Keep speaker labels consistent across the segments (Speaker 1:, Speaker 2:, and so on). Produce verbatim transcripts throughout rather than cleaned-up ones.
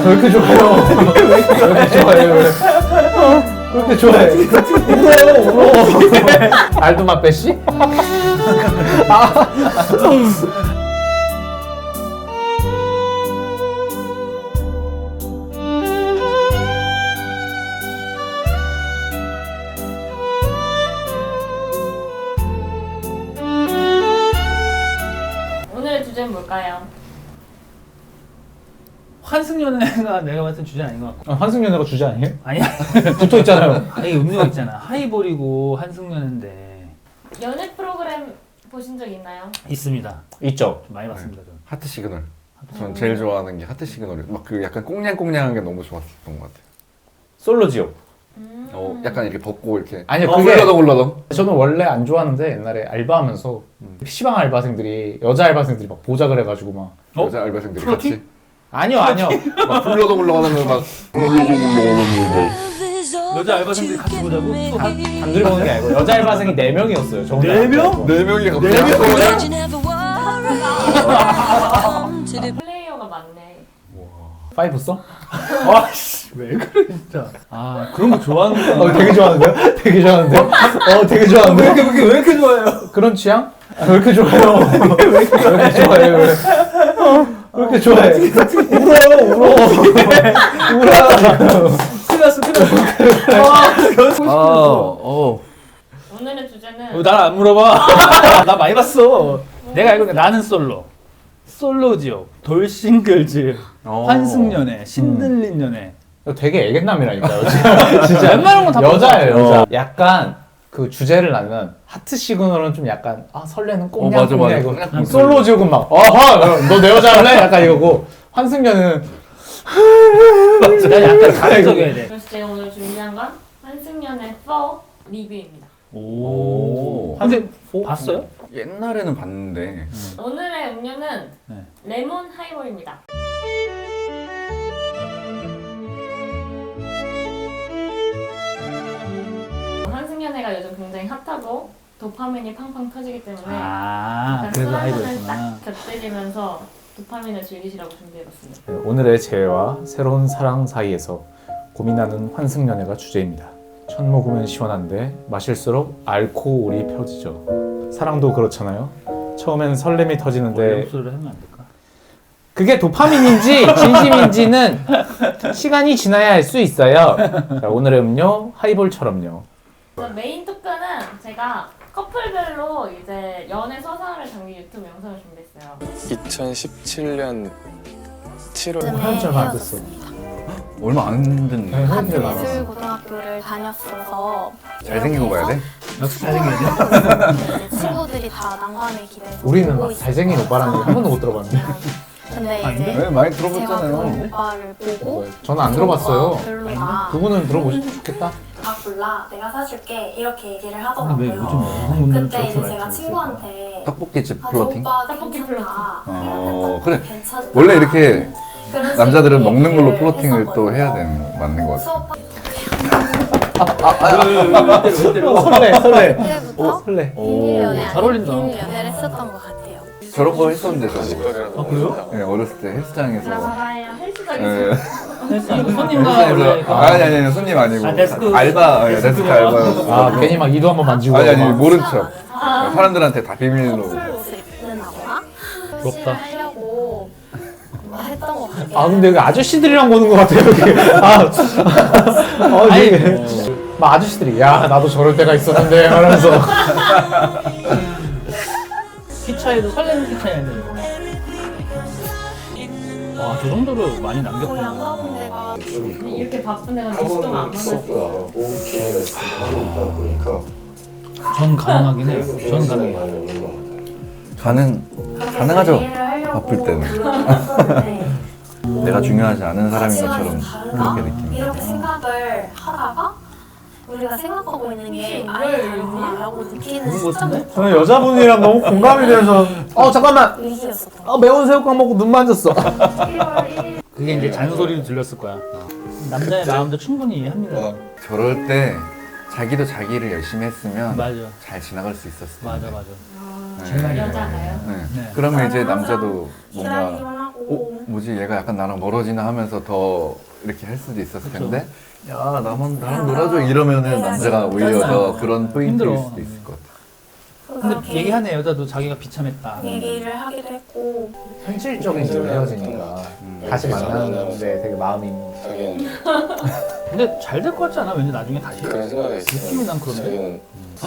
Speaker 1: 왜 이렇게 좋아해요? 왜 이렇게 좋아해요? 왜? 왜 이렇게 좋아해? 울어요, 울어. 알도마 빼씨? 아.
Speaker 2: 오늘의 주제는 뭘까요?
Speaker 3: 환승연애가 내가 봤을 땐 주제 아닌 것 같고.
Speaker 1: 아, 환승연애가 주제 아니에요?
Speaker 3: 아니야.
Speaker 1: 붙어 있잖아요.
Speaker 3: 아니 음료가 있잖아. 하이볼이고 환승연애인데.
Speaker 2: 연애 프로그램 보신 적 있나요?
Speaker 3: 있습니다.
Speaker 1: 있죠.
Speaker 3: 좀 많이 봤습니다. 좀.
Speaker 4: 하트 시그널. 전 제일 좋아하는 게 하트 시그널이에요. 막 그 약간 꽁냥꽁냥한 게 너무 좋았던 것 같아요.
Speaker 1: 솔로지요.
Speaker 2: 음.
Speaker 4: 어, 약간 이렇게 벗고 이렇게.
Speaker 1: 아니요,
Speaker 4: 어,
Speaker 1: 그게
Speaker 4: 굴러덩 굴러덩.
Speaker 1: 저는 원래 안 좋아하는데 옛날에 알바하면서 피시방 알바생들이 여자 알바생들이 막 보작을 해가지고 막
Speaker 3: 어?
Speaker 4: 여자 알바생들이
Speaker 3: 프로틴?
Speaker 4: 같이
Speaker 1: 아니요 아니요
Speaker 4: 막 굴러덩 굴러가는 거 막.
Speaker 3: 여자 알바생들이 같이 보자고? 또 한-
Speaker 1: 단둘이 보는 게 아니고 여자 알바생이 네 명이었어요. 저 혼자
Speaker 3: 네
Speaker 1: 안
Speaker 3: 명?
Speaker 1: 좋아하고.
Speaker 4: 네 명이 갑자기.
Speaker 3: 네 명?
Speaker 2: 플레이어가 많네.
Speaker 1: 파이브 써?
Speaker 3: 아씨 왜 그래 진짜. 아 그런 거 좋아하는구나.
Speaker 1: 어 되게 좋아하는데요? 되게 좋아하는데요? 어 되게
Speaker 3: 왜
Speaker 1: 좋아하는데요?
Speaker 3: 이렇게 왜 이렇게, 왜 이렇게 좋아해요?
Speaker 1: 그런 취향? 아, 왜 이렇게 좋아해요? 왜 이렇게 좋아해요? 왜, 왜 이렇게 좋아해? 울어요 울어. 울어.
Speaker 3: 큰일 났어 큰일 났어. 아 연습
Speaker 4: 아, 어.
Speaker 2: 오늘의 주제는
Speaker 3: 나안 물어봐. 나 많이 봤어. 내가 알고 있는 게 나는 솔로. 솔로지요. 돌싱글즈.
Speaker 4: 어.
Speaker 3: 환승연애. 신들린 연애.
Speaker 1: 되게 애견남이라니까요. 진짜. 진짜.
Speaker 3: 웬만한 건다
Speaker 1: 여자예요
Speaker 3: 봤어.
Speaker 1: 여자. 약간 그 주제를 나면 하트 시그널은 좀 약간 아 설레는
Speaker 4: 어, 맞아,
Speaker 1: 꽁냥꽁냥
Speaker 4: 맞아.
Speaker 1: 이거
Speaker 4: 꽁냥꽁냥.
Speaker 1: 솔로 지옥은 막 어허 너 내 여자 할래? 약간 이거고 환승연은
Speaker 3: 나 약간 가격적이어야 돼.
Speaker 2: 그래서 제가 오늘 준비한 건 환승연애 사 리뷰입니다.
Speaker 3: 오.
Speaker 4: 오.
Speaker 3: 근데 봤어요?
Speaker 4: 옛날에는 봤는데.
Speaker 2: 오늘의 음료는
Speaker 3: 네.
Speaker 2: 레몬 하이볼입니다. 환승연애가 요즘 굉장히 핫하고 도파민이 팡팡 터지기 때문에
Speaker 3: 아,
Speaker 2: 약간
Speaker 3: 그래서
Speaker 2: 술 한잔을
Speaker 3: 하이볼이구나.
Speaker 2: 딱 곁들이면서 도파민을 즐기시라고 준비해봤습니다.
Speaker 1: 오늘의 재회와 새로운 사랑 사이에서 고민하는 환승연애가 주제입니다. 첫 모금은 시원한데 마실수록 알코올이 펴지죠. 사랑도 그렇잖아요. 처음엔 설렘이
Speaker 3: 원래
Speaker 1: 터지는데
Speaker 3: 목소리를 하면 안 될까?
Speaker 1: 그게 도파민인지 진심인지는 시간이 지나야 알 수 있어요. 자, 오늘의 음료 하이볼처럼요.
Speaker 2: 그래서 메인 토크는 제가 커플별로 이제 연애 서사를 담긴 유튜브 영상을 준비했어요.
Speaker 5: 이천십칠 년 칠월
Speaker 1: 한 줄 안 됐어.
Speaker 4: 얼마 안 됐네.
Speaker 1: 네,
Speaker 6: 같은
Speaker 1: 팬들 많아서.
Speaker 6: 예술고등학교를 다녔어서
Speaker 4: 잘생긴 거 봐야 돼?
Speaker 3: 역시 잘생겨야 돼.
Speaker 6: 친구들이 다 난관을 기대서
Speaker 1: 우리는
Speaker 6: 보고
Speaker 1: 막 잘생긴 오빠라는 얘기 한 번도 못 들어봤는데.
Speaker 6: 근데
Speaker 3: 아닌데?
Speaker 6: 이제
Speaker 4: 네, 많이
Speaker 6: 제가 그런
Speaker 4: 들어봤잖아요.
Speaker 6: 오빠를 보고
Speaker 1: 저는 안 들어봤어요.
Speaker 6: 별로다.
Speaker 1: 그분은 들어보시면 좋겠다.
Speaker 6: 아 몰라 내가 사줄게 이렇게 얘기를
Speaker 3: 왜
Speaker 6: 하더라고요.
Speaker 3: 요즘 여성 분들은
Speaker 6: 그때
Speaker 3: 저렇게
Speaker 6: 이제 제가
Speaker 3: 말씀하세요?
Speaker 6: 친구한테
Speaker 4: 떡볶이집
Speaker 6: 아,
Speaker 4: 플러팅?
Speaker 6: 저 오빠
Speaker 2: 떡볶이
Speaker 6: 괜찮다.
Speaker 4: 어, 그래.
Speaker 6: 괜찮다.
Speaker 4: 원래 이렇게
Speaker 6: 그런
Speaker 4: 남자들은
Speaker 6: 식으로
Speaker 4: 먹는 걸로
Speaker 6: 얘기를
Speaker 4: 플러팅을 또
Speaker 6: 했었거든요.
Speaker 4: 해야 되는 맞는 것 같아.
Speaker 6: 수업
Speaker 3: 왜 때려?
Speaker 1: 설레 설레.
Speaker 6: 때부터
Speaker 1: 설레.
Speaker 6: 비밀 연애
Speaker 3: 잘 어울린다.
Speaker 6: 비밀 연애를 했었던 것 같아요.
Speaker 4: 저런 거 했었는데 저도.
Speaker 3: 아 그래요?
Speaker 4: 네, 어렸을 때 헬스장에서.
Speaker 2: 봐봐요. 헬스장에서.
Speaker 4: 네.
Speaker 3: 이거 손님과 원래
Speaker 4: 헬스장에서
Speaker 3: 이거-
Speaker 4: 아니 아니 아니 손님 아니고
Speaker 3: 아, 데스크.
Speaker 4: 알바 예, 데스크 알바.
Speaker 1: 아 괜히 막 이도 한번 만지고.
Speaker 4: 아니 아니
Speaker 1: 막.
Speaker 4: 모른 척. 사람들한테 다 비밀로.
Speaker 6: 커플 옷을 입는 거나
Speaker 3: 부럽다.
Speaker 6: 하려고 했던 것 같아요.
Speaker 1: 아 근데 여기 아저씨들이랑 보는 것 같아요 여기. 아, 어,
Speaker 3: 아니,
Speaker 1: 이게
Speaker 3: 뭐.
Speaker 1: 막 아저씨들이 야 나도 저럴 때가 있었는데 하면서.
Speaker 3: 키 차이도 설레는 키 차이 아니에요. 와, 저 정도로 많이
Speaker 6: 거의 안
Speaker 3: 남겼구나.
Speaker 6: 가본 데가
Speaker 2: 이렇게 바쁜 데가 미식도 안 만났어.
Speaker 3: 전 가능하긴 해요. 전 가능해요.
Speaker 4: 가능 가능하죠.
Speaker 6: 이해를 하려고
Speaker 4: 바쁠 때는.
Speaker 6: 노력했었는데
Speaker 4: 내가 중요하지 않은 사람인
Speaker 6: 시간이
Speaker 4: 것처럼
Speaker 6: 다르다?
Speaker 4: 그렇게 느낍니다.
Speaker 6: 이렇게 생각을 하다가 우리가 생각하고 있는 게 아예 다르다라고 느끼는
Speaker 3: 그런 거 같은데?
Speaker 6: 시점부터
Speaker 1: 저는 여자분이랑 너무 공감이 돼서 어 잠깐만
Speaker 6: 위기였었던 것
Speaker 1: 어, 매운 새우깡 먹고 눈 만졌어.
Speaker 6: 같아요. 일월 일일
Speaker 3: 그게 이제 잔소리로 들렸을 거야. 남자의 마음도 충분히 이해합니다.
Speaker 4: 어, 저럴 때 자기도 자기를 열심히 했으면
Speaker 3: 맞아.
Speaker 4: 잘 지나갈 수 있었을
Speaker 3: 맞아,
Speaker 4: 텐데.
Speaker 3: 맞아.
Speaker 4: 네.
Speaker 3: 정말
Speaker 2: 여자가요?
Speaker 4: 네.
Speaker 3: 네.
Speaker 4: 그러면 이제
Speaker 6: 저는
Speaker 4: 남자도
Speaker 6: 기다리기만
Speaker 4: 뭔가
Speaker 6: 하고
Speaker 4: 뭐지 얘가 약간 나랑 멀어지나 하면서 더 이렇게 할 수도 있었을
Speaker 3: 그쵸.
Speaker 4: 텐데 야 나만 나랑 놀아줘 이러면은 남자가 오히려 더 그런 포인트일
Speaker 3: 힘들어.
Speaker 4: 수도 있을 것 같아.
Speaker 3: 근데
Speaker 6: 그렇게
Speaker 3: 얘기하네 여자도 자기가 비참했다.
Speaker 6: 얘기를 하기도 했고
Speaker 1: 현실적인 이유 헤어지니까
Speaker 4: 음.
Speaker 1: 다시 만나는데 되게 마음이
Speaker 5: 하긴
Speaker 3: 근데 잘 될 것 같지 않아? 왠지 나중에 다시
Speaker 5: 그런 생각이 있어요.
Speaker 3: 느낌이 난 그러네.
Speaker 5: 자기는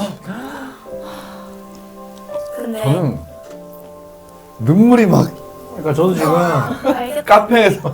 Speaker 6: 근데
Speaker 4: 저는 눈물이 막
Speaker 1: 그러니까 저도 지금
Speaker 6: 알겠다
Speaker 4: 카페에서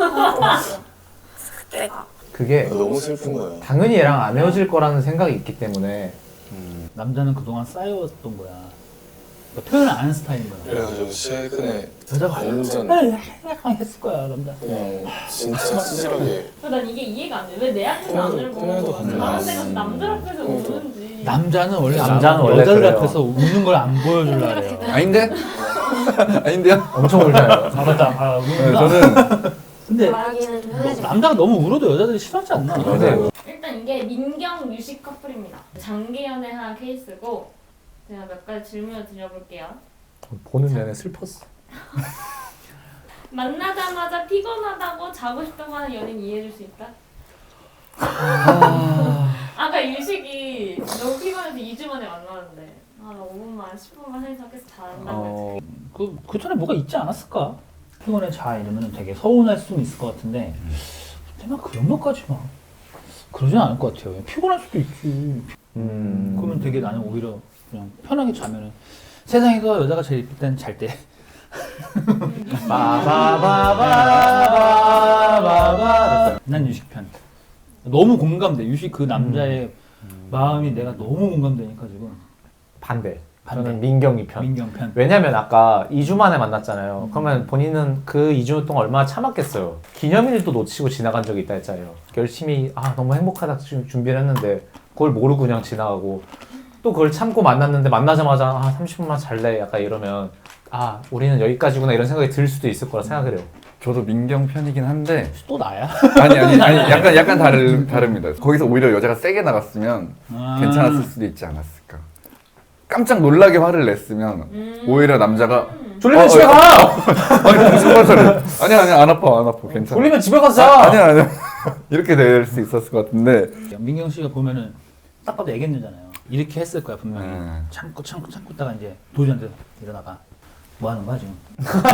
Speaker 6: 그때가
Speaker 1: 그게
Speaker 5: 너무 슬픈 거예요.
Speaker 1: 당연히 얘랑 안 헤어질 거라는 생각이 있기 때문에
Speaker 3: 남자는 그동안 쌓여왔던 거야. 그러니까 표현을 안 하는 스타일인 거야.
Speaker 5: 그래가지고 최근에
Speaker 3: 여자가
Speaker 5: 완전
Speaker 3: 그냥 했을 거야 남자.
Speaker 5: 그냥 진짜 찌질하게
Speaker 2: 난 이게 이해가 안 돼. 왜 내 앞에서 안
Speaker 5: 그래도-
Speaker 2: 울고
Speaker 5: 그래도
Speaker 2: 다른
Speaker 5: 안
Speaker 2: 데가
Speaker 5: 돼.
Speaker 2: 남들 앞에서
Speaker 5: 음.
Speaker 2: 우는지.
Speaker 3: 남자는 원래
Speaker 1: 남자는
Speaker 3: 남-
Speaker 1: 원래
Speaker 3: 여자들
Speaker 1: 그래요.
Speaker 3: 앞에서 우는 걸 안 보여주려 그래요.
Speaker 4: 아닌데? 아닌데요?
Speaker 1: 엄청 울잖아요.
Speaker 3: 아 맞다. 아,
Speaker 4: 네,
Speaker 3: 우는구나.
Speaker 4: 저는
Speaker 3: 근데
Speaker 6: 말하기는 좀 흔들리지
Speaker 3: 남자가 너무 울어도 여자들이 싫어하지 않나?
Speaker 1: 근데
Speaker 2: 일단 이게 민경 유식 커플입니다. 장기 연애한 케이스고 제가 몇 가지 질문을 드려볼게요.
Speaker 1: 보는 내내 슬펐어.
Speaker 2: 만나자마자 피곤하다고 자고 싶다고 하는 연인 이해해줄 수 있다? 아까 유식이 너무 피곤해서 이 주 만에 만나는데 아 나 오 분만 십 분만 해서 계속 잘한다고
Speaker 4: 어,
Speaker 3: 그, 그 전에 뭐가 있지 않았을까? 피곤해 자 이러면 되게 서운할 수는 있을 것 같은데 근데 막 그런 것까지 막 그러진 않을 것 같아요. 피곤할 수도 있지.
Speaker 1: 음.
Speaker 3: 그러면 되게 나는 오히려 그냥 편하게 자면은 세상에서 여자가 제일 이쁠 때는 잘 때.
Speaker 1: 바바바바바바.
Speaker 3: 난 유식 편. 너무 공감돼. 유식 그 남자의 마음이 내가 너무 공감되니까 지금
Speaker 1: 반대.
Speaker 3: 반대.
Speaker 1: 저는 민경이 편.
Speaker 3: 민경 편.
Speaker 1: 왜냐면 아까 이 주 만에 만났잖아요. 그러면 본인은 그 이 주 동안 얼마나 참았겠어요. 기념일도 놓치고 지나간 적이 있다 했잖아요. 열심히 아 너무 행복하다 주- 준비를 했는데 그걸 모르고 그냥 지나가고 또 그걸 참고 만났는데 만나자마자 아 삼십 분만 잘래 약간 이러면 아 우리는 여기까지구나 이런 생각이 들 수도 있을 거라 생각을 해요.
Speaker 4: 저도 민경 편이긴 한데
Speaker 3: 또 나야?
Speaker 4: 아니 아니 아니 약간 약간 다르 다릅니다. 거기서 오히려 여자가 세게 나갔으면
Speaker 3: 아.
Speaker 4: 괜찮았을 수도 있지 않았을까. 깜짝 놀라게 화를 냈으면
Speaker 2: 음.
Speaker 4: 오히려 남자가
Speaker 1: 졸리면
Speaker 4: 어,
Speaker 1: 집에
Speaker 4: 어,
Speaker 1: 가!
Speaker 4: 아니 무슨 말을 아니 아니 안 아파 안 아파 괜찮아.
Speaker 1: 졸리면 집에 가서
Speaker 4: 아,
Speaker 1: 자!
Speaker 4: 아니야 아니야 이렇게 될 수 있었을 것 같은데
Speaker 3: 민경 씨가 보면은 딱 봐도 애견녀잖아요. 이렇게 했을 거야 분명히.
Speaker 4: 음.
Speaker 3: 참고 참고 참고 있다가 이제 도저한테 일어나가. 뭐 하는 거야 지금?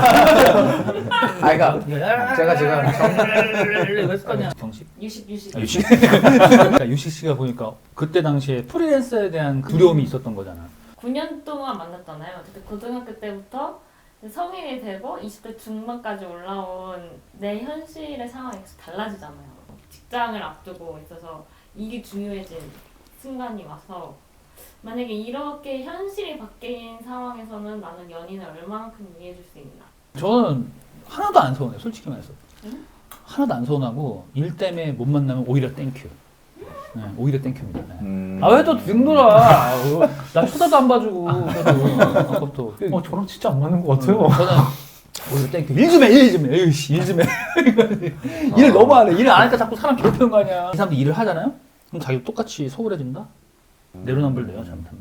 Speaker 1: 아 그러니까 제가 지금
Speaker 3: 이거 했을 거 아니야. 경식?
Speaker 2: 유식 유식.
Speaker 3: 아, 유식. 그러니까 유식 씨가 보니까 그때 당시에 프리랜서에 대한 두려움이 있었던 거잖아.
Speaker 2: 구 년 동안 만났잖아요. 그때 고등학교 때부터 성인이 되고 이십 대 중반까지 올라온 내 현실의 상황이 계속 달라지잖아요. 직장을 앞두고 있어서 이게 중요해진 순간이 와서 만약에 이렇게 현실이 바뀐 상황에서는 나는 연인을 얼마만큼 이해해줄 수 있나?
Speaker 3: 저는 하나도 안 서운해 솔직히 말해서.
Speaker 2: 응?
Speaker 3: 하나도 안 서운하고 일 때문에 못 만나면 오히려 땡큐. 네, 오히려 땡큐입니다. 네.
Speaker 4: 음.
Speaker 3: 아 왜 또 빙돌아? 나 쳐다도 안 봐주고 아까부터.
Speaker 1: 어 저랑 진짜 안 맞는 것 같아요.
Speaker 3: 저는 오히려 땡큐. 일 좀 해, 일 좀 해. 에이씨, 일 좀 해. 일을 너무 안 해. 일을 안 하니까 자꾸 사람 괴롭히는 거 아니야. 이 사람들 일을 하잖아요? 그럼 자기도 똑같이 소홀해진다? 내로남불돼요, 잘못하면.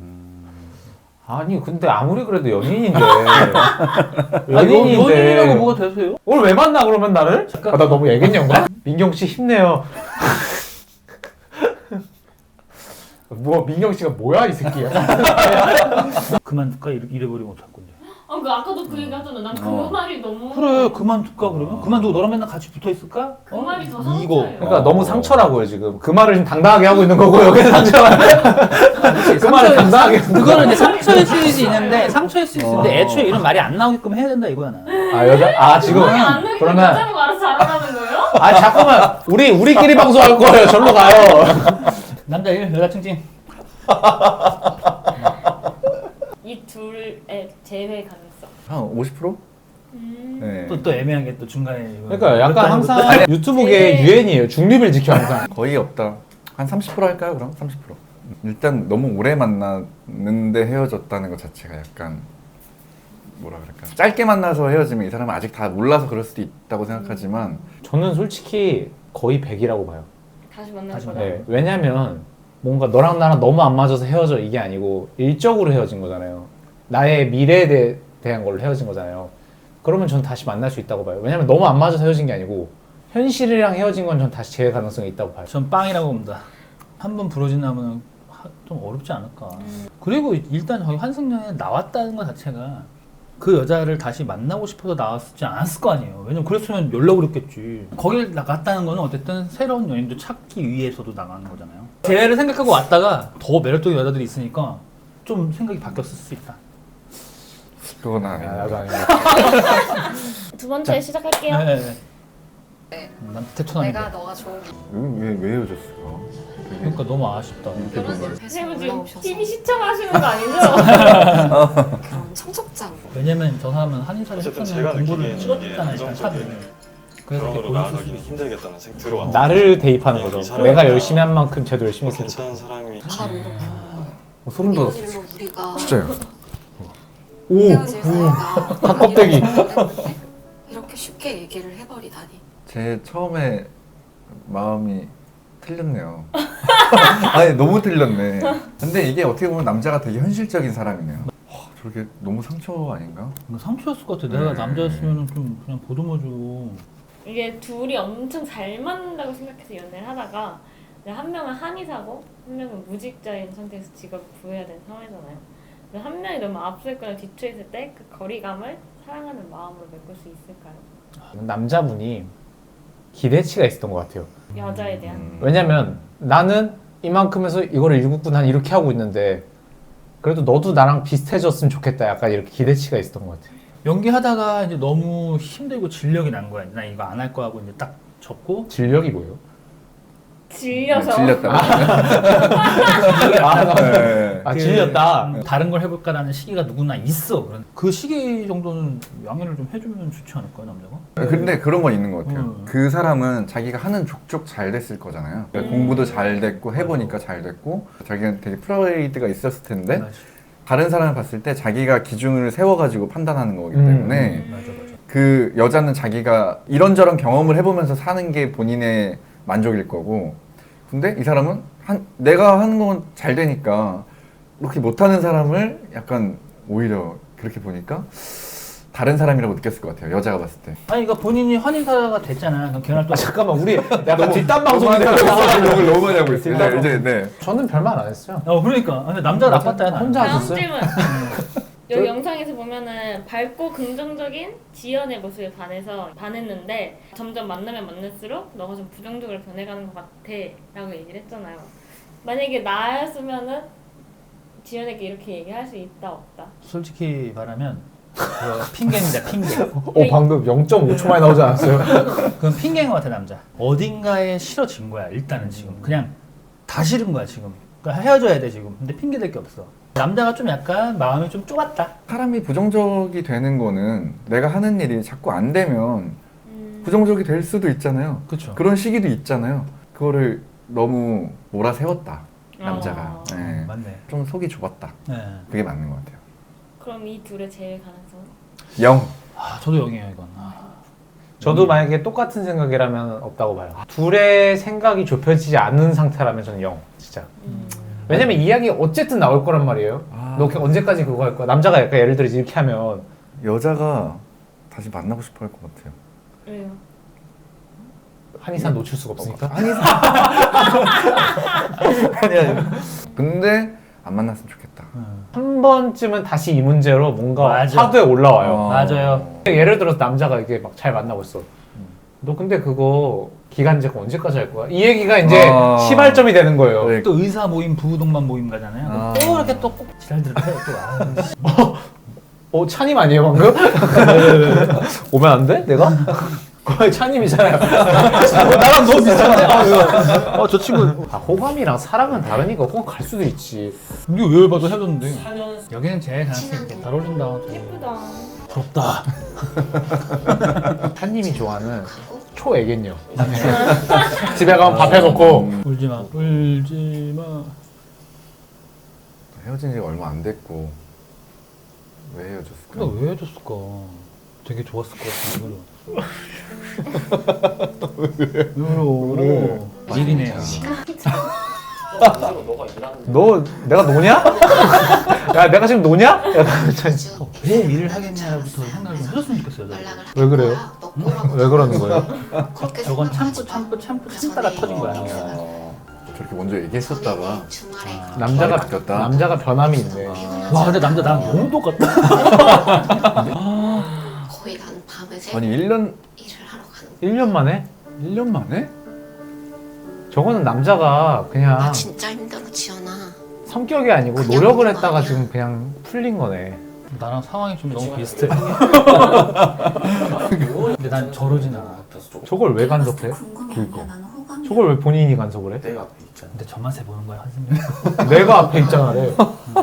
Speaker 1: 아니 근데 아무리 그래도 연인인데
Speaker 3: 아니,
Speaker 1: 연인인데
Speaker 3: 연인이라고 뭐가 되세요?
Speaker 1: 오늘 왜 만나 그러면 나를? 아, 나 너무 애견녀인가? 민경 씨 힘내요. 뭐 민경 씨가 뭐야 이 새끼야?
Speaker 3: 그만둘까? 이래- 이래버리면 어떡할 건데.
Speaker 2: 아, 그 아까도 그 얘기 하잖아. 난 그
Speaker 4: 어.
Speaker 2: 말이 너무
Speaker 3: 그래, 그만둘까 그러면? 그만두고 너랑 맨날 같이 붙어있을까?
Speaker 2: 그 말이 더 상처예요.
Speaker 3: 이거.
Speaker 1: 그러니까 너무 상처라고요 지금. 그 말을 지금 당당하게 하고 있는 거고 여기는 상처가. 그 말을 당당하게. 하는
Speaker 3: 그거는 이제 상처일 수 있는데, 상처일 수 있는데, 애초에 이런 말이 안 나오게끔 해야 된다 이거야, 나.
Speaker 1: 아 여자 아 지금
Speaker 2: 아니, 안 되니까
Speaker 1: 그러면
Speaker 2: 여자가 알아서 잘하는 거예요?
Speaker 1: 아 잠깐만 우리 우리끼리 방송할 거예요. 절로 가요.
Speaker 3: 남자 일, 여자 칭칭.
Speaker 2: 이 둘의 제외 가능성.
Speaker 4: 한 오십 퍼센트?
Speaker 2: 음.
Speaker 4: 네.
Speaker 3: 또, 또 애매한 게 또 중간에. 이거
Speaker 1: 그러니까 약간
Speaker 3: 그렇다는
Speaker 1: 항상
Speaker 3: 것도-
Speaker 1: 유튜브계의
Speaker 2: 네.
Speaker 1: 유행이에요. 중립을 지켜 항상.
Speaker 4: 거의 없다. 한 삼십 퍼센트 할까요 그럼? 삼십 퍼센트. 일단 너무 오래 만났는데 헤어졌다는 것 자체가 약간 뭐라 그럴까 짧게 만나서 헤어지면 이 사람은 아직 다 몰라서 그럴 수도 있다고 생각하지만
Speaker 1: 저는 솔직히 거의 백이라고 봐요.
Speaker 2: 다시 만나는
Speaker 3: 다시
Speaker 2: 거다.
Speaker 1: 네, 왜냐면 뭔가 너랑 나랑 너무 안 맞아서 헤어져 이게 아니고 일적으로 헤어진 거잖아요. 나의 미래에 대, 대한 걸로 헤어진 거잖아요. 그러면 전 다시 만날 수 있다고 봐요. 왜냐면 너무 안 맞아서 헤어진 게 아니고 현실이랑 헤어진 건 전 다시 재회 가능성이 있다고 봐요.
Speaker 3: 전 빵이라고 봅니다. 한 번 부러진 나무는 하- 좀 어렵지 않을까. 그리고 일단 저희 환승연애 나왔다는 것 자체가 그 여자를 다시 만나고 싶어서 나왔지 않았을 거 아니에요. 왜냐면 그랬으면 연락을 했겠지. 거길 나갔다는 거는 어쨌든 새로운 연인도 찾기 위해서도 나가는 거잖아요. 재회를 생각하고 왔다가 더 매력적인 여자들이 있으니까 좀 생각이 바뀌었을 수 있다.
Speaker 4: 그건
Speaker 1: 아,
Speaker 4: 아니에요.
Speaker 1: 나도 아니고.
Speaker 2: 두 번째 시작할게요.
Speaker 3: 네, 네.
Speaker 6: 네.
Speaker 3: 난 태토남인데.
Speaker 6: 내가 너가 좋은
Speaker 4: 왜, 왜 헤어졌어?
Speaker 3: 그러니까 너무 아쉽다.
Speaker 6: 그런 앱에서
Speaker 2: 선생님 지금
Speaker 6: 올라오셔서
Speaker 2: 티비 시청하시는 거 아니죠?
Speaker 6: 그런 청첩장
Speaker 3: 왜냐면 저 사람은 한의사를
Speaker 7: 어쨌든
Speaker 3: 했으면
Speaker 7: 제가
Speaker 3: 공부를
Speaker 7: 느끼기에는
Speaker 3: 찍었잖아요. 일단 샵을. 그래서 이렇게
Speaker 7: 상황으로
Speaker 3: 보였을 수도
Speaker 7: 나아가기는
Speaker 3: 있어.
Speaker 7: 힘들겠다는 생각 들어와.
Speaker 1: 나를 대입하는 거죠.
Speaker 7: 이 사람이
Speaker 1: 내가 열심히 한 만큼 쟤도 열심히 했으니까.
Speaker 7: 괜찮은 사람이
Speaker 6: 바로 이렇게
Speaker 1: 어, 소름 돋았어.
Speaker 6: 이런 일로 우리가
Speaker 4: 진짜요?
Speaker 1: 오!
Speaker 6: 헤어질 사이가
Speaker 1: 닭껍데기.
Speaker 6: 이랬는데 이렇게 쉽게 얘기를 해버리다니.
Speaker 4: 제 처음에 마음이 틀렸네요. 아니 너무 틀렸네. 근데 이게 어떻게 보면 남자가 되게 현실적인 사람이네요. 와, 저렇게 너무 상처 아닌가?
Speaker 3: 이거 상처였을 것 같아. 내가
Speaker 4: 네.
Speaker 3: 남자였으면 좀 그냥 보듬어주고.
Speaker 2: 이게 둘이 엄청 잘 맞는다고 생각해서 연애를 하다가 이제 한 명은 한의사고 한 명은 무직자인 상태에서 직업을 구해야 되는 상황이잖아요. 근데 한 명이 너무 앞서 있거나 뒤쳐 있을 때 그 거리감을 사랑하는 마음으로 메꿀 수 있을까요?
Speaker 1: 남자분이 기대치가 있었던 것 같아요.
Speaker 2: 여자에 대한.
Speaker 4: 음.
Speaker 1: 왜냐면 나는 이만큼 해서 이거를 일국분 한 이렇게 하고 있는데 그래도 너도 나랑 비슷해졌으면 좋겠다. 약간 이렇게 기대치가 있었던 것 같아요.
Speaker 3: 연기하다가 이제 너무 힘들고 진력이 난 거야. 나 이거 안 할 거 하고 이제 딱 접고.
Speaker 1: 진력이 뭐예요?
Speaker 2: 질려서.
Speaker 4: 질렸다.
Speaker 1: 아,
Speaker 4: 네.
Speaker 1: 아
Speaker 3: 그,
Speaker 1: 질렸다.
Speaker 3: 음, 다른 걸 해볼까라는 시기가 누구나 있어. 그런- 그 시기 정도는 양해를 좀 해주면 좋지 않을까요, 남자가?
Speaker 4: 근데 그런 건 있는 것 같아요.
Speaker 3: 음.
Speaker 4: 그 사람은 자기가 하는 족족 잘 됐을 거잖아요. 그러니까
Speaker 2: 음.
Speaker 4: 공부도 잘 됐고 해보니까 잘 됐고 자기는 되게 프라이드가 있었을 텐데
Speaker 3: 맞아.
Speaker 4: 다른 사람을 봤을 때 자기가 기준을 세워가지고 판단하는 거기
Speaker 1: 음.
Speaker 4: 때문에
Speaker 3: 맞아, 맞아.
Speaker 4: 그 여자는 자기가 이런저런 경험을 해보면서 사는 게 본인의 만족일 거고 근데 이 사람은 한, 내가 하는 건 잘 되니까 그렇게 못하는 사람을 약간 오히려 그렇게 보니까 다른 사람이라고 느꼈을 것 같아요. 여자가 봤을 때.
Speaker 3: 아니, 그러니까 본인이 환인사가 됐잖아. 그럼 걔랑 또
Speaker 1: 아, 잠깐만 우리 약간 뒷담 방송인데.
Speaker 4: 너무 너무 많이 하고 있어요.
Speaker 1: 뒷담
Speaker 4: 네, 이제 네.
Speaker 1: 저는 별말 안 했어요.
Speaker 3: 어, 그러니까. 근데 남자가 나빴다, 야,
Speaker 1: 혼자
Speaker 2: 다음
Speaker 1: 하셨어요?
Speaker 2: 질문. 여기 영상에서 보면은 밝고 긍정적인 지연의 모습에 반해서 반했는데 점점 만나면 만날수록 너가 좀 부정적으로 변해가는 것 같아 라고 얘기를 했잖아요. 만약에 나였으면은 지연에게 이렇게 얘기할 수 있다 없다?
Speaker 3: 솔직히 말하면 그거 핑계입니다, 핑계.
Speaker 1: 어 방금 영 점 오 초 만에 나오지 않았어요?
Speaker 3: 그건 핑계인 것 같아, 남자. 어딘가에 싫어진 거야, 일단은 지금. 그냥 다 싫은 거야, 지금. 그러니까 헤어져야 돼, 지금. 근데 핑계 댈 게 없어. 남자가 좀 약간 마음이 좀 좁았다.
Speaker 4: 사람이 부정적이 되는 거는 내가 하는 일이 자꾸 안 되면
Speaker 2: 음.
Speaker 4: 부정적이 될 수도 있잖아요.
Speaker 3: 그렇죠.
Speaker 4: 그런 시기도 있잖아요. 그거를 너무 몰아세웠다. 남자가.
Speaker 2: 어.
Speaker 4: 네.
Speaker 3: 맞네.
Speaker 4: 좀 속이 좁았다.
Speaker 3: 네.
Speaker 4: 그게 맞는 것 같아요.
Speaker 2: 그럼 이 둘의 제일 가능성?
Speaker 4: 영.
Speaker 3: 아, 저도 영이에요, 이건. 아.
Speaker 1: 저도 만약에 똑같은 생각이라면 없다고 봐요. 둘의 생각이 좁혀지지 않는 상태라면 저는 영. 진짜.
Speaker 2: 음.
Speaker 1: 왜냐면 이야기 어쨌든 나올 거란 말이에요.
Speaker 4: 아.
Speaker 1: 너 언제까지 그거 할 거야? 남자가 약간 예를 들어 이렇게 하면
Speaker 4: 여자가 다시 만나고 싶어 할 것 같아요.
Speaker 2: 왜요?
Speaker 1: 한의사 놓칠 수가 없으니까.
Speaker 4: 한의사. 아니 아니. 근데 안 만났으면 좋겠다.
Speaker 1: 한 번쯤은 다시 이 문제로 뭔가
Speaker 3: 맞아.
Speaker 1: 화두에 올라와요.
Speaker 4: 어.
Speaker 3: 맞아요.
Speaker 1: 예를 들어서 남자가 이게 막 잘 만나고 있어. 너 근데 그거 기간제가 언제까지 할 거야? 이 얘기가 이제
Speaker 4: 어.
Speaker 1: 시발점이 되는 거예요.
Speaker 4: 네.
Speaker 3: 또 의사 모임, 부부동반 모임 가잖아요.
Speaker 4: 아.
Speaker 3: 또 이렇게 또 꼭 지랄들을 해요, 또. 아, 씨.
Speaker 1: 어, 차님 아니에요 방금? 오면 안 돼? 내가? 거의 차님이잖아요. 나랑 너 비슷하네.
Speaker 3: 어, 저 친구.
Speaker 1: 아, 호감이랑 사랑은 다르니까 호감 갈 수도 있지.
Speaker 3: 이거 왜 봐도 헤어졌는데. 여기는 제일 가능성이 있겠다. 잘 어울린다.
Speaker 2: 예쁘다.
Speaker 3: 부럽다.
Speaker 1: 차님이 좋아하는 초애견녀. 집에 가면 밥 해먹고.
Speaker 3: 울지 마. 울지 마.
Speaker 4: 헤어진 지가 얼마 안 됐고 왜 헤어졌을까?
Speaker 3: 근데 왜 헤어졌을까? 되게 좋았을 것 같은데. 왜 그래? 왜 그래? 일이네요.
Speaker 5: 너가 일하는
Speaker 1: 너 내가 노냐? 야 내가 지금 노냐? 약간
Speaker 3: 왜 일을 하겠냐부터 생각을 좀 해줬으면 좋겠어요. 저도.
Speaker 1: 왜 그래요? 왜 그러는 거예요?
Speaker 3: 저건 참고 참고 참고 참다가 터진 거야.
Speaker 4: 어, 저렇게 먼저 얘기했었다가
Speaker 1: 남자가
Speaker 4: 말이 바뀌었다.
Speaker 1: 남자가 변함이 있네.
Speaker 3: 와 근데 남자 나랑 너무 똑같다.
Speaker 6: 거의 난 밤에 새
Speaker 4: 아니 일 년
Speaker 6: 일을 하러 가는
Speaker 1: 일 년 만에?
Speaker 4: 일 년 만에?
Speaker 1: 저거는 남자가
Speaker 6: 거야.
Speaker 1: 그냥
Speaker 6: 진짜 힘들어 지연아.
Speaker 1: 성격이 아니고 노력을 했다가 지금 그냥 풀린 거네.
Speaker 3: 나랑 상황이 좀 너무 비슷해. 근데 난 저러진 않아.
Speaker 1: 저걸 왜 간섭해?
Speaker 4: 그러니까.
Speaker 1: 저걸 왜 본인이 간섭을 해?
Speaker 5: 내가 앞에 있잖아.
Speaker 3: 근데 저만 세 보는 거야 한승민.
Speaker 1: 내가 앞에 있잖아래.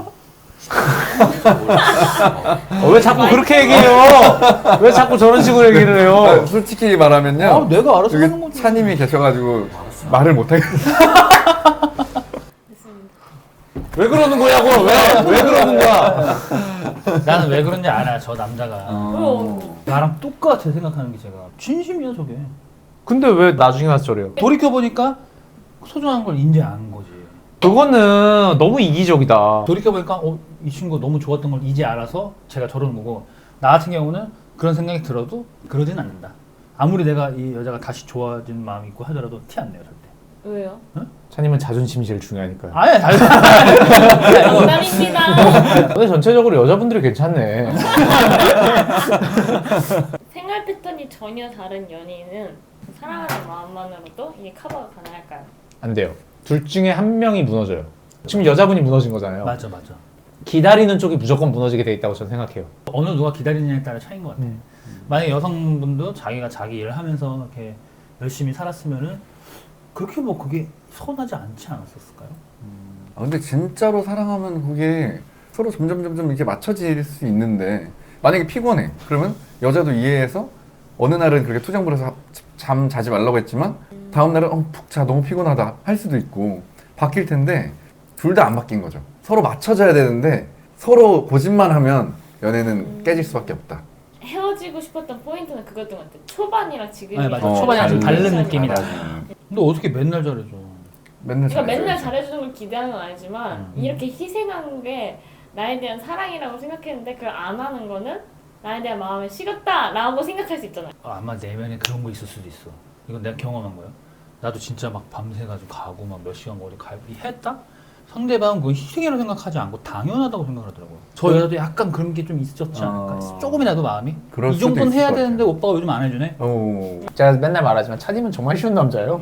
Speaker 1: 어, 왜 자꾸 그렇게 얘기해요? 왜 자꾸 저런 식으로 얘기를 해요?
Speaker 4: 아, 솔직히 말하면요.
Speaker 3: 아 내가 알아서 하는
Speaker 4: 여기
Speaker 3: 거지.
Speaker 4: 차님이 계셔가지고 말을 못하겠어.
Speaker 1: 왜 그러는 거냐고? 왜? 왜 그러는 거야?
Speaker 3: 나는 왜 그런지 알아. 저 남자가
Speaker 2: 어.
Speaker 3: 나랑 똑같아 생각하는 게 제가 진심이야 저게.
Speaker 1: 근데 왜 나중에 와서 저래요?
Speaker 3: 돌이켜 보니까 소중한 걸 인지 안 거지.
Speaker 1: 그거는 너무 이기적이다.
Speaker 3: 돌이켜 보니까 어, 이 친구 너무 좋았던 걸 이제 알아서 제가 저러는 거고, 나 같은 경우는 그런 생각이 들어도 그러진 않는다. 아무리 내가 이 여자가 다시 좋아진 마음이 있고 하더라도 티 안 내요 절대.
Speaker 2: 왜요?
Speaker 1: 차님은 자존심이 제일 중요하니까요.
Speaker 3: 아예 잘.
Speaker 2: 농담입니다.
Speaker 1: 근데 전체적으로 여자분들이 괜찮네.
Speaker 2: 생활 패턴이 전혀 다른 연인은 사랑하는 마음만으로도 이게 커버가 가능할까요?
Speaker 1: 안 돼요. 둘 중에 한 명이 무너져요. 지금 여자분이 무너진 거잖아요.
Speaker 3: 맞아 맞아.
Speaker 1: 기다리는 쪽이 무조건 무너지게 돼 있다고 저는 생각해요.
Speaker 3: 어느 누가 기다리느냐에 따라 차이인 것 같아.
Speaker 1: 음.
Speaker 3: 만약에 여성분도 자기가 자기 일을 하면서 이렇게 열심히 살았으면은 그렇게 뭐 그게 서운하지 않지 않았었을까요?
Speaker 4: 아, 근데 진짜로 사랑하면 그게 서로 점점 점점 이렇게 맞춰질 수 있는데, 만약에 피곤해 그러면 여자도 이해해서 어느 날은 그렇게 투정 부려서 잠 자지 말라고 했지만 다음 날은 어, 푹 자 너무 피곤하다 할 수도 있고 바뀔 텐데, 둘 다 안 바뀐 거죠. 서로 맞춰져야 되는데 서로 고집만 하면 연애는 깨질 수밖에 없다.
Speaker 2: 헤어지고 싶었던 포인트는 그거였던 것 같아요. 초반이랑 지금이
Speaker 3: 네, 맞아.
Speaker 4: 어,
Speaker 3: 초반이랑 좀
Speaker 4: 다른
Speaker 3: 다른 느낌이다.
Speaker 4: 음.
Speaker 3: 근데 어떻게 맨날 잘해줘?
Speaker 4: 맨날
Speaker 2: 그러니까 맨날
Speaker 4: 잘해줘야지.
Speaker 2: 잘해주는 걸 기대하는 건 아니지만
Speaker 3: 음.
Speaker 2: 이렇게 희생한 게 나에 대한 사랑이라고 생각했는데 그걸 안 하는 거는 나에 대한 마음이 식었다라고 생각할 수 있잖아요.
Speaker 3: 아, 아마 내면에 그런 거 있을 수도 있어. 이건 내가 경험한 거야. 나도 진짜 막 밤새가지고 가고 막 몇 시간 거리 가고 했다? 상대방은 그걸 희생이라고 생각하지 않고 당연하다고 생각을 하더라고요. 저 여자도 약간 그런 게 좀 있었지 않을까?
Speaker 4: 어.
Speaker 3: 조금이라도 마음이?
Speaker 4: 그럴
Speaker 3: 이
Speaker 4: 수도
Speaker 3: 정도는
Speaker 4: 있을
Speaker 3: 해야
Speaker 4: 것
Speaker 3: 되는데
Speaker 4: 같아요.
Speaker 3: 오빠가 요즘 안 해주네?
Speaker 4: 어.
Speaker 1: 제가 맨날 말하지만 차님은 정말 쉬운 남자예요.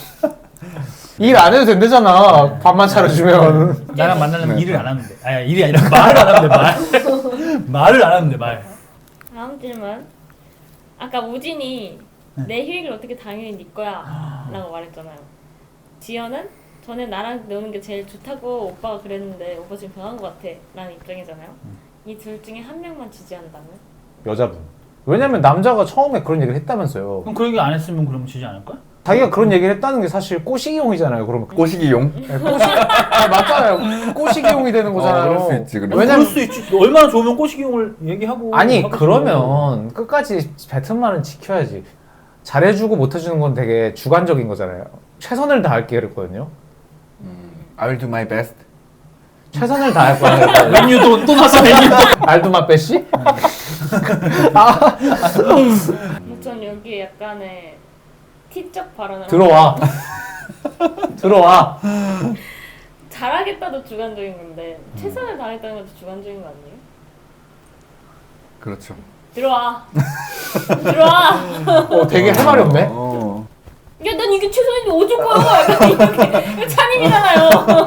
Speaker 1: 일 안 해도 된대잖아. 밥만 차려주면.
Speaker 3: 나랑 만나려면
Speaker 4: 네.
Speaker 3: 일을 안 하면 돼. 아니 일이 아니라 말을 안 하면 돼. 말. 말을 안 하면 돼. 말.
Speaker 2: 다음 질문. 아까 우진이
Speaker 3: 네.
Speaker 2: 내 휴익을 어떻게 당연히 네 거야 라고 말했잖아요. 지연은 전에 나랑 노는 게 제일 좋다고 오빠가 그랬는데 오빠 지금 변한 것 같아 라는 입장이잖아요.
Speaker 3: 음.
Speaker 2: 이 둘 중에 한 명만 지지한다면?
Speaker 1: 여자분. 왜냐면 남자가 처음에 그런 얘기를 했다면서요.
Speaker 3: 그럼 그 얘기 안 했으면 그럼 지지 않을까?
Speaker 1: 자기가 그런 얘기를 했다는 게 사실 꼬시기용이잖아요. 그러면
Speaker 4: 꼬시기용?
Speaker 1: 네, 꼬시 아, 맞잖아요. 꼬시기용이 되는 거잖아요.
Speaker 4: 어, 그럴 수 있지, 그래.
Speaker 1: 왜냐면
Speaker 3: 그럴 수 있지. 얼마나 좋으면 꼬시기용을 얘기하고.
Speaker 1: 아니
Speaker 3: 하고
Speaker 1: 그러면 끝까지 뱉은 말은 지켜야지. 잘해주고 못해주는 건 되게 주관적인 거잖아요. 최선을 다할게 그랬거든요.
Speaker 4: I'll do my best.
Speaker 1: 최선을 다할 거야.
Speaker 3: 메뉴도 또 나서 메뉴도.
Speaker 1: 알도마 빼씨?
Speaker 2: 전 여기에 약간의 티적 발언을
Speaker 1: 들어와. 들어와.
Speaker 2: 잘하겠다도 주관적인 건데 최선을 다했다는 것도 주관적인 거 아니에요?
Speaker 4: 그렇죠.
Speaker 2: 들어와. 들어와.
Speaker 1: 어, 되게 할 말이 없네.
Speaker 4: 어.
Speaker 2: 야, 난 이게 최선인데 어쩔 거야. 약간 이렇게. 이거 찬임이잖아요.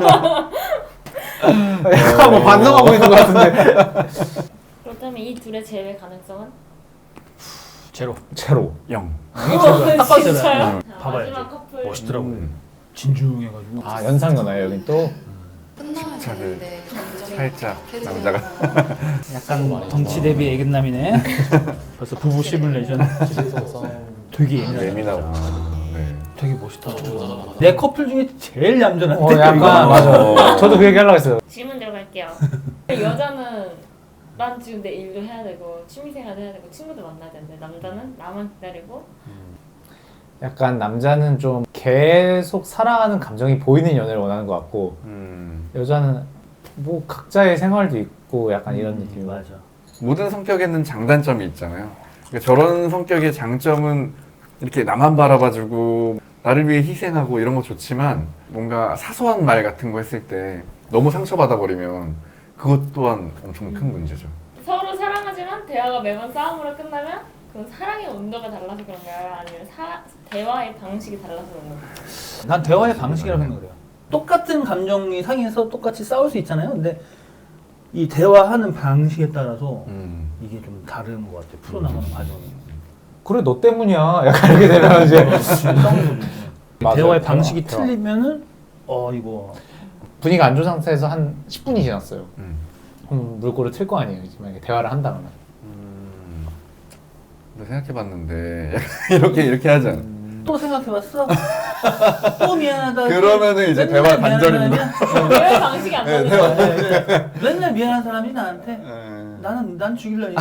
Speaker 1: 약간 뭐 반성하고 있는 것 같은데.
Speaker 2: 그렇다면 이 둘의 제외 가능성은?
Speaker 3: 제로.
Speaker 1: 제로.
Speaker 4: 영.
Speaker 3: 딱
Speaker 2: 진짜요?
Speaker 3: 봐줘요.
Speaker 2: 자,
Speaker 3: 봐봐야지.
Speaker 2: 마지막 커플.
Speaker 3: 멋있더라고요.
Speaker 4: 음.
Speaker 3: 진중해가지고.
Speaker 1: 아 연상연하예요 여긴 또.
Speaker 6: 끝나면
Speaker 4: 차를
Speaker 6: 되는데 감정이
Speaker 4: 살짝
Speaker 6: 계속
Speaker 4: 남자가
Speaker 3: 약간 덩치 대비 애견남이네. 벌써 부부 시뮬레이션. 되게 예민하다.
Speaker 4: 예민하고. 네.
Speaker 3: 되게 멋있다. 내 커플 중에 제일 얌전한데.
Speaker 1: 어 약간 맞아. 저도 그 얘기 하려고 했어요.
Speaker 2: 질문 들어갈게요. 여자는 난 지금 내 일도 해야 되고 취미생활도 해야 되고 친구도 만나야 되는데 남자는 나만 기다리고
Speaker 1: 약간 남자는 좀 계속 사랑하는 감정이 보이는 연애를 원하는 것 같고
Speaker 4: 음.
Speaker 1: 여자는 뭐 각자의 생활도 있고 약간 이런 느낌이
Speaker 3: 음, 맞아.
Speaker 4: 모든 성격에는 장단점이 있잖아요. 그러니까 저런 성격의 장점은 이렇게 나만 바라봐주고 나를 위해 희생하고 이런 거 좋지만 뭔가 사소한 말 같은 거 했을 때 너무 상처받아 버리면 그것 또한 엄청 큰 문제죠.
Speaker 2: 서로 사랑하지만 대화가 매번 싸움으로 끝나면 그 사랑의 온도가 달라서 그런가요? 아니면 사, 대화의 방식이 달라서 그런 건가요?
Speaker 3: 난 대화의 방식이라고 생각을 해요. 똑같은 감정이 상해서 똑같이 싸울 수 있잖아요. 근데 이 대화하는 방식에 따라서
Speaker 4: 음.
Speaker 3: 이게 좀 다른 것 같아요. 풀어나가는 과정이.
Speaker 1: 그래 너 때문이야 약간 이렇게 되면 이제 맞아요.
Speaker 3: 대화의
Speaker 1: 대화,
Speaker 3: 방식이
Speaker 1: 대화.
Speaker 3: 틀리면은 어 이거
Speaker 1: 분위기가 안 좋은 상태에서 한 십 분이 지났어요.
Speaker 4: 음.
Speaker 1: 그럼 물꼬를 틀 거 아니에요. 이제 만약에 대화를 한다 그러면.
Speaker 4: 음. 너 생각해봤는데 약간 이렇게 이렇게 하지 않아?
Speaker 3: 또 생각해봤어? 또 미안하다.
Speaker 4: 그러면은 이제
Speaker 3: 맨날
Speaker 4: 대화
Speaker 3: 미안한
Speaker 4: 단절입니다.
Speaker 3: 사람이야?
Speaker 2: 대화의 방식이 안
Speaker 4: 네,
Speaker 2: 맞는
Speaker 4: 대화-
Speaker 2: 거예요.
Speaker 3: 네, 네. 맨날 미안한 사람이 나한테
Speaker 4: 음.
Speaker 3: 나는 난 죽일려니.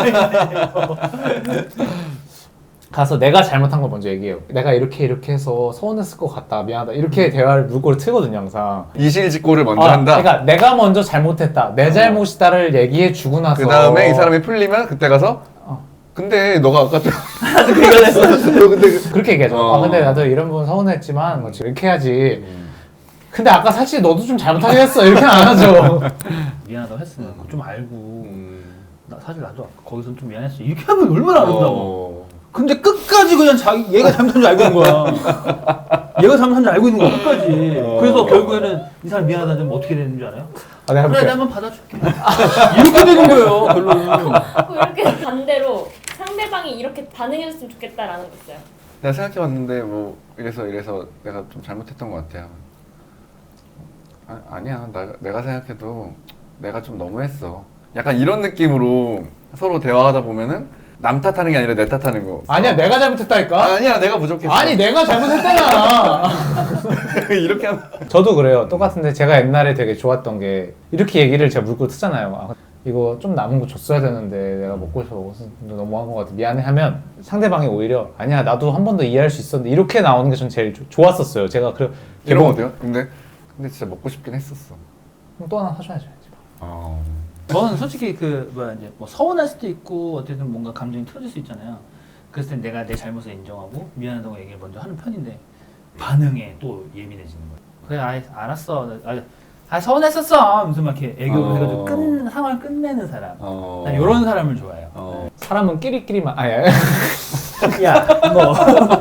Speaker 1: 가서 내가 잘못한 걸 먼저 얘기해요. 내가 이렇게 이렇게 해서 서운했을 것 같다. 미안하다. 이렇게 대화를 물꼬를 트거든요 항상.
Speaker 4: 이실직고를 먼저
Speaker 1: 아,
Speaker 4: 한다.
Speaker 1: 그러니까 내가 먼저 잘못했다. 내 잘못이다를 얘기해 주고 나서
Speaker 4: 그 다음에 이 사람이 풀리면 그때 가서
Speaker 1: 어.
Speaker 4: 근데 너가 아까 좀
Speaker 3: 나도 그 얘기를 했어.
Speaker 4: 너 근데 그-
Speaker 1: 그렇게 얘기하죠.
Speaker 4: 어.
Speaker 1: 아 근데 나도 이런 부분 서운했지만 뭐 이렇게 해야지. 근데 아까 사실 너도 좀 잘못하긴 했어. 이렇게 안 하죠.
Speaker 3: 미안하다고 했으면 그거 좀 알고
Speaker 4: 음.
Speaker 3: 나 사실 나도 거기서 좀 미안했어. 이렇게 하면 얼마나 아름다워.
Speaker 4: 어.
Speaker 3: 근데 끝까지 그냥 자기 얘가 잘못한 줄 알고 있는 거야. 얘가 잘못한 줄 알고 있는 거야 끝까지. 그래서 결국에는 이 사람 미안하다 하면 어떻게 되는 줄 알아요?
Speaker 1: 아, 내가
Speaker 3: 그래
Speaker 1: 해볼게.
Speaker 3: 나 한번 받아줄게. 이렇게 되는 거예요 결론은.
Speaker 2: 그 이렇게 반대로 상대방이 이렇게 반응해줬으면 좋겠다라는 거 있어요.
Speaker 4: 내가 생각해봤는데 뭐 이래서 이래서 내가 좀 잘못했던 것 같아요. 아, 아니야 나, 내가 생각해도 내가 좀 너무했어. 약간 이런 느낌으로 서로 대화하다 보면은 남 탓하는 게 아니라 내 탓하는 거.
Speaker 1: 아니야 내가 잘못했다니까.
Speaker 4: 아니야 내가 부족했어.
Speaker 1: 아니 내가 잘못했잖아.
Speaker 4: 이렇게 하면
Speaker 1: 저도 그래요. 똑같은데 제가 옛날에 되게 좋았던 게 이렇게 얘기를 제가 물고 트잖아요. 아, 이거 좀 남은 거 줬어야 되는데 내가 먹고 싶어 먹어서 너무한 것 같아. 미안해 하면 상대방이 오히려 아니야 나도 한 번 더 이해할 수 있었는데 이렇게 나오는 게 전 제일 조- 좋았었어요. 제가 그
Speaker 4: 이런 거 어때요? 근데 근데 진짜 먹고 싶긴 했었어.
Speaker 1: 또 하나 사줘야죠.
Speaker 4: 어.
Speaker 3: 저는 솔직히 그 뭐야 이제 뭐 서운할 수도 있고 어쨌든 뭔가 감정이 터질 수 있잖아요. 그랬을 때 내가 내 잘못을 인정하고 미안하다고 얘기를 먼저 하는 편인데 반응에 또 예민해지는 거예요. 그래 아이 알았어. 아, 아 서운했었어. 무슨 막 이렇게 애교를
Speaker 4: 어.
Speaker 3: 해가지고 끝 상황을 끝내는 사람.
Speaker 4: 어.
Speaker 3: 난 이런 사람을 좋아해요.
Speaker 4: 어.
Speaker 1: 사람은 끼리끼리만 아니 아니.
Speaker 3: 야 뭐.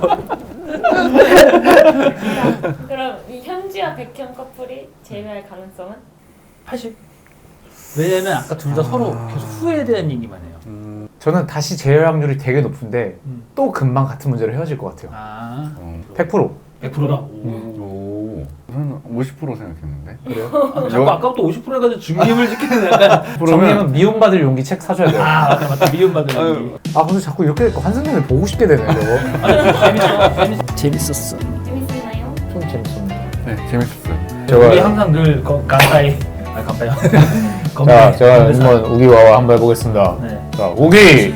Speaker 2: 그럼 이 현지와 백현 커플이 재회할 가능성은?
Speaker 3: 팔십. 왜냐면 아까 둘 다 서로 계속 후회에 대한 얘기만 해요.
Speaker 4: 음.
Speaker 1: 저는 다시 재회 확률이 되게 높은데
Speaker 3: 음.
Speaker 1: 또 금방 같은 문제로 헤어질 것 같아요.
Speaker 3: 아
Speaker 4: 어.
Speaker 1: 백 퍼센트.
Speaker 3: 백 퍼센트다.
Speaker 4: 오. 저는 오십 퍼센트 생각했는데.
Speaker 1: 그래요?
Speaker 3: 아, 자꾸 아까부터 오십 퍼센트 해가지고 중립을 지키는 약간.
Speaker 1: 정리는 미움받을 용기 책 사줘야 돼요.
Speaker 3: 아 맞다 맞다 미움받는
Speaker 4: 아유.
Speaker 3: 얘기.
Speaker 1: 아 근데 자꾸 이렇게 될거 한승연을 보고 싶게 되네 저거.
Speaker 3: 아니 재밌어. 재밌었어.
Speaker 2: 재밌었나요?
Speaker 1: 좀 재밌었네.
Speaker 4: 네 재밌었어요.
Speaker 1: 제가-
Speaker 3: 우리 항상 늘 거, 간다이. 아 간다이.
Speaker 1: 자 제가 한번 우기와와 한번 해보겠습니다.
Speaker 3: 네.
Speaker 1: 자 우기.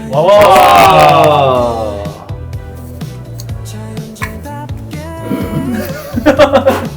Speaker 3: 와와.